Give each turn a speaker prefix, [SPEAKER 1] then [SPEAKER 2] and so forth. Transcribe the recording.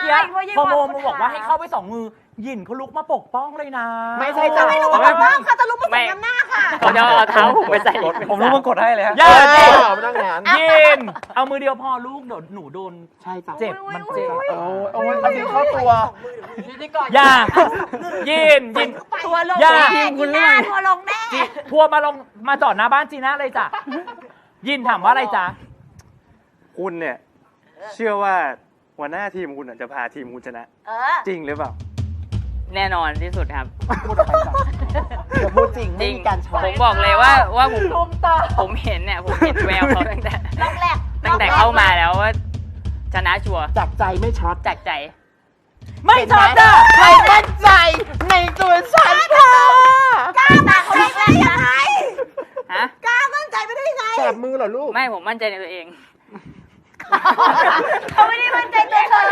[SPEAKER 1] กี้พอโมบอกว่าให้เข้าไป2 มือหยินเขาลุกมาปกป้องเลยนะ
[SPEAKER 2] ไม่ใช่จะไม่ลุกมาปกป้องค่ะจะลุกมาส่งน้ำหน้าค่ะ
[SPEAKER 3] เขาจะเอาเท้าผมไปใส่รถ
[SPEAKER 4] ผมรู้มากดให้เลยฮะ
[SPEAKER 1] อย่า
[SPEAKER 4] ไม่ต้องงาน
[SPEAKER 1] ยินเอามือเดียวพอลูกเดี๋ยวหนูโดน
[SPEAKER 4] ใช่จ้ะ
[SPEAKER 1] เจ็บมันเจ็บ
[SPEAKER 4] เอาจริงเข้าตัว
[SPEAKER 1] อย่ายิน
[SPEAKER 2] ตัวลง
[SPEAKER 1] อย่า
[SPEAKER 2] แน่จีน่าตัวลงแน่
[SPEAKER 1] ทัวร์มาจอดหน้าบ้านจีน่าเลยจ้ะยินถามว่าอะไรจ๊ะ
[SPEAKER 4] คุณเนี่ยเชื่อว่าหัวหน้าทีมคุณจะพาทีมคุณชนะจริงหรือเปล่า
[SPEAKER 3] แน่นอนที่สุดครับ
[SPEAKER 4] พูดอะไรจ้ะจะพูดจริง
[SPEAKER 3] จริง
[SPEAKER 4] ไม่มีการช้อน
[SPEAKER 3] ผมบอกเลยว่าผมเห็นเนี่ยผมเห็นแววเขาตั้งแต่เข้ามาแล้วว่าชนะชัวร์
[SPEAKER 4] จากใจไม่ช็อต
[SPEAKER 3] จากใจ
[SPEAKER 1] ไม่ชอบจ้ะ
[SPEAKER 4] ใครมั่นใจในตัวฉันค่ะ
[SPEAKER 2] กล้ามาเขาได้ยังไง
[SPEAKER 3] ฮะ
[SPEAKER 2] กล้ามั่นใจไม่ได้ยังไง
[SPEAKER 4] แสบมือเหรอลูก
[SPEAKER 3] ไม่ผมมั่นใจในตัวเอง
[SPEAKER 2] เขาไม่ได้มั่นใจตัวเธอ